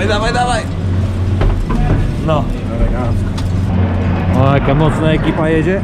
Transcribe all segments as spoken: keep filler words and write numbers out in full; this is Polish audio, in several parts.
dawaj, dawaj! No. O, jaka mocna ekipa jedzie.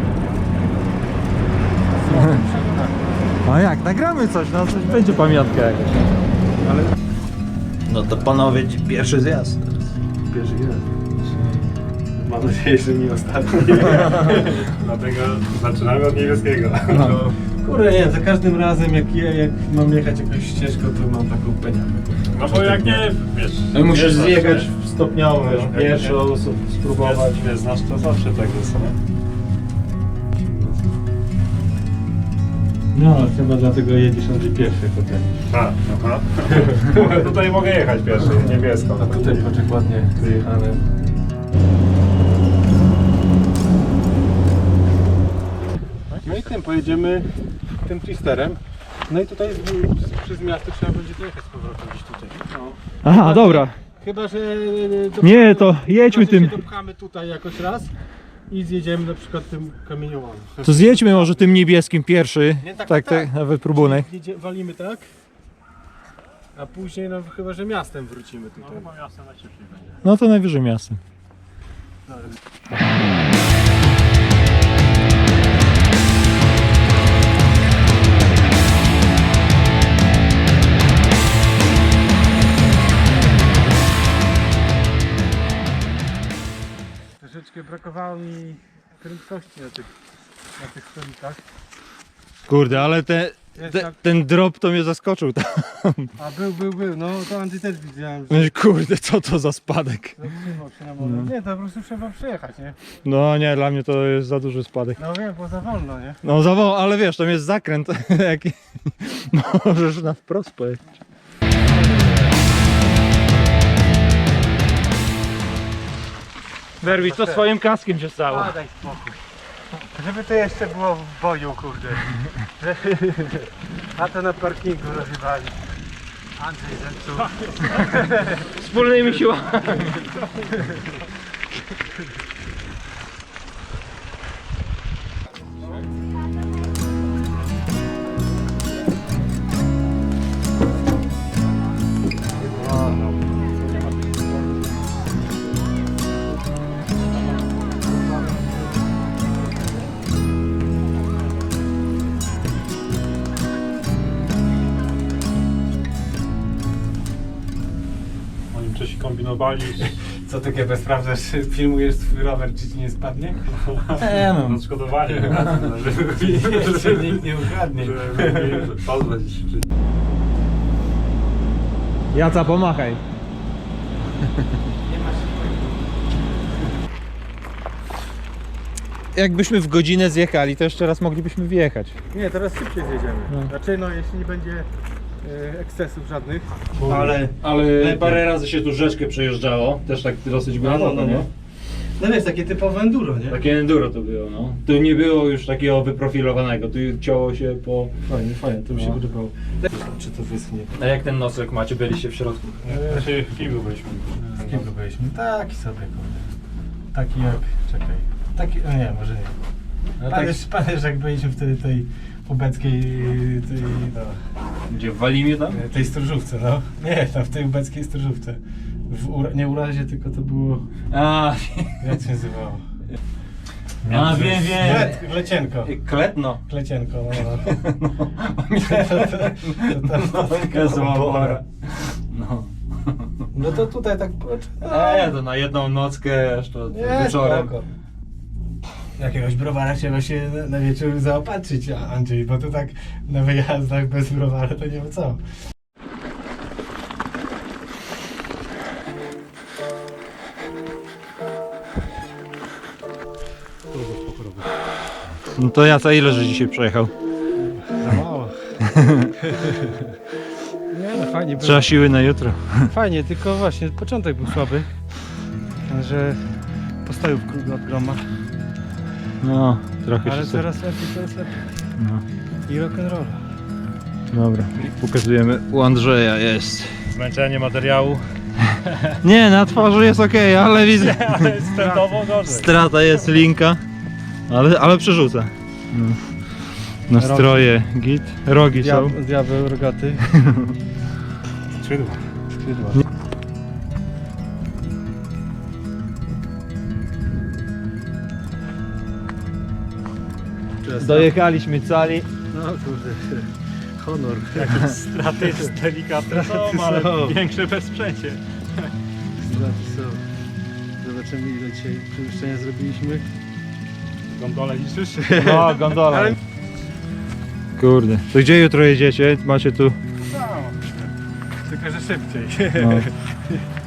A jak, nagramy coś, no coś będzie pamiątka jakaś. Ale... No to panowie, pierwszy zjazd. Pierwszy raz. Mam nadzieję, że nie ostatni. Dlatego zaczynamy od niebieskiego. No. Kurde, nie, za każdym razem jak, je, jak mam jechać jakąś ścieżką, to mam taką peniakę. No bo jak nie, wiesz... No musisz wiesz, zjechać zawsze- stopniowo, No, jak pierwszą, nie- spróbować. Wiesz, wiesz, znasz to zawsze tak jest, nie? No, chyba dlatego jedziesz Andrzej pierwszy potem. Tak, aha. Mogę, tutaj mogę jechać pierwszy, niebiesko. A tutaj poczek ładnie wyjechane. No i tym pojedziemy tym twisterem. No i tutaj z, z, przez miasto trzeba będzie dojechać z powrotem gdzieś tutaj. No. Aha, dobra. Chyba, że Nie, to jedźmy chyba, że tym. się dopchamy tutaj jakoś raz i zjedziemy na przykład tym kamieniołomem. To zjedźmy może tym niebieskim pierwszy. Nie, tak, Tak, tak. tak, na wypróbunek. Jedzie, walimy tak, a później no chyba, że miastem wrócimy tutaj. No chyba jasne najszybciej będzie. No to najwyżej miastem. Troszeczkę brakowało mi prędkości na tych, na tych stolikach. Kurde, ale te, Jest te, tak, ten drop to mnie zaskoczył. a był, był, był, no to Andrzej też widziałem, że Myślę, Kurde, co to za spadek? zatrzymał się na moment. Nie, to po prostu trzeba przejechać, nie? No nie, dla mnie to jest za duży spadek. No wiem, bo za wolno, nie? No zawoł, ale wiesz, tam jest zakręt. Jaki... Możesz na wprost pojechać. Werwis, co swoim kaskiem się stało? A, daj spokój. Żeby to jeszcze było w boju, kurde. A to na parkingu rozrywali. Andrzej zepsuł. Wspólnymi siłami. Oni wcześniej kombinowali. Co ty kiedy sprawdzasz, filmujesz swój rower, czy ci nie spadnie? Nie no. Odszkodowali. Jeszcze nikt nie ukradnie. Pozwać się. Jaca, pomachaj. Jakbyśmy w godzinę zjechali, to jeszcze raz moglibyśmy wjechać. Nie, teraz szybciej zjedziemy. No. Znaczy no, jeśli nie będzie e, ekscesów żadnych. Ale, Ale parę razy się tu rzeczkę przejeżdżało, też tak dosyć głęboko, no, no, nie? no. No wiesz, takie typowe enduro, nie? Takie enduro to było, no. Tu nie było już takiego wyprofilowanego, tu ciało się po... Fajnie, fajnie, to mi się No. podobało. Czy to wyschnie? A jak ten nosek macie, byliście w środku? Znaczy w kiblu byliśmy. Z kim byliśmy? Taki sobie, kurde. Taki jak, czekaj. Taki, no nie, może nie. No tak- Pamiętasz, pamiętasz jak byliśmy wtedy tej ubeckiej, tej, no, Gdzie, w Walimie tam? tej stróżówce, no. Nie, tam w tej ubeckiej stróżówce. W ura, nie urazie, tylko to było, A, jak się nazywało? a wiem, wiem. Klet, klecienko. Kletno. Klecienko, no. no. to, to, to, to, Taka zła No. No to tutaj tak, no, E, to na jedną nockę, aż to nie, wieczorem. spoko. Jakiegoś browara trzeba się na, na wieczór zaopatrzyć, a- Andrzej, bo to tak na wyjazdach bez browara to nie ma co. No to ja co, ile że dzisiaj przejechał? Za mało. Nie no, fajnie było. Trzeba siły na jutro. Fajnie, tylko właśnie początek był słaby, że postojów od groma, No, trochę ale się... coraz lepiej, coraz lepiej. No, I rock'n'roll. dobra. Pokazujemy, u Andrzeja jest. Zmęczenie materiału. Nie, na twarzy jest ok, ale widzę. Ale sprzętowo gorzej. Strata jest linka, ale, ale przerzuca. No. Nastroje git, rogi są. Diabeł rogaty. Skrzydła. Skrzydła. Dojechaliśmy cali. No kurde, honor. Jakieś straty delikatne są, ale większe bez sprzęcie. Straty są. Zobaczymy, ile dzisiaj przemieszczenia zrobiliśmy. Gondolę liczysz? No, gondola. Kurde. To gdzie jutro jedziecie? Macie tu... No, tylko że szybciej. No.